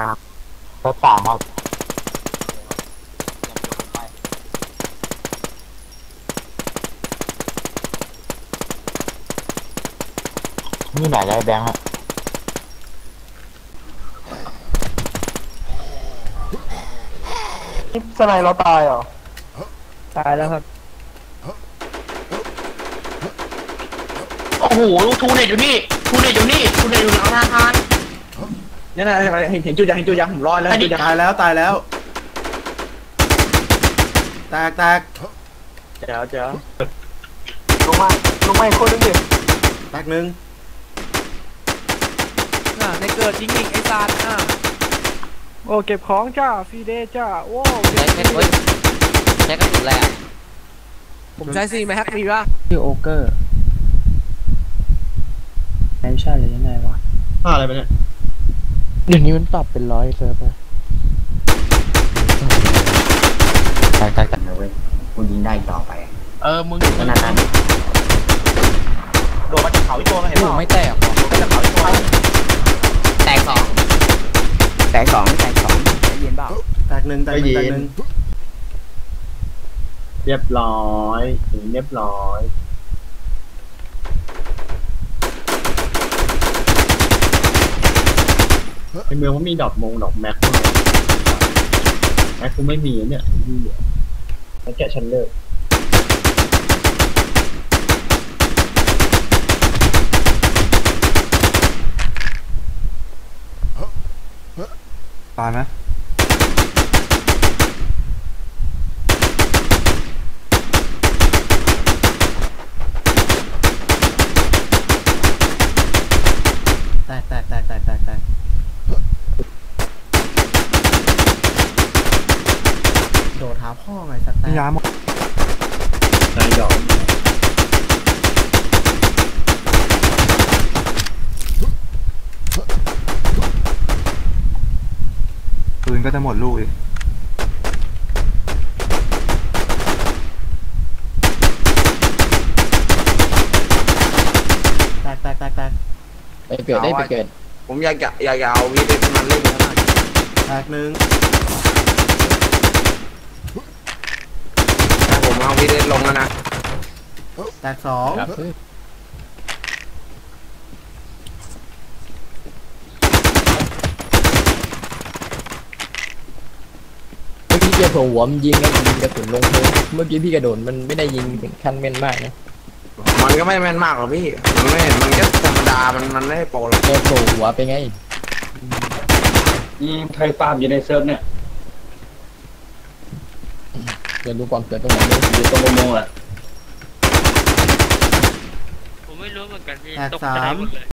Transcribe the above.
เซิร์ฟสามครับนี่ไหนได้แบงค์ฮะนี่สไนเราตายเหรอตายแล้วครับโอ้โหทูเน็ตอยู่นี่ทูเน็ตอยู่นี่ทูเน็ตอยู่หลังธนาคารนี่นะเห็นจุดยังผมรอดแล้วตายแล้วแตกเจ๋วลงมาอีกคนนึงดิแตกหนึ่งในเกิดยิงไอ้ซานโอ้เก็บของจ้าฟรีเดย์จ้าโอ้ใช้กระสุนแหละผมใช้ซีไหมฮักมีป่ะชื่อโอเกอร์แอมชั่นหรือยังไงวะอะไรไปเนี่ยเดี๋ยวนี้มันปรับเป็น100เซิร์ฟนะตายนะเว้ยมึงยิงได้ต่อไปมึงขนาดนั้นโดนมาจากเขาอีกตัวเห็นป่ะไม่แตกหรอมาจากเขาอีกตัวแตกสองได้ยินเปล่าแตกหนึ่งเรียบร้อยในเมืองมันมีดอกแม็กกูไม่มีเนี่ยแล้วแกฉันเลิกตายไหมแตกโดดหาพ่อไงสัตว์แตกยาหมดนายดอกปืนก็จะหมดลูกอีกแตกไปเกิดได้ไปเกิดผมอยากเอาวีดีมันเล่นขนาดแตกหนึ่งผมเอาวีดีลงแล้วนะแตกสองเมื่อกี้เจอหัวมันยิงแล้วยิงกระสุนลงเลยเมื่อกี้พี่กระโดดมันไม่ได้ยิงถึงขั้นแม่นมากนะมันก็ไม่แม่นมากหรอกพี่มันก็ธรรมดามันไม่โปรหรอกเจอหัวไปไงใครฟาร์มอยู่ในเซิร์ฟเนี่ยเดี๋ยวดูก่อนเกิดตรงไหนอยู่ตรงโมแหละผมไม่รู้เหมือนกันพี่แตกสาม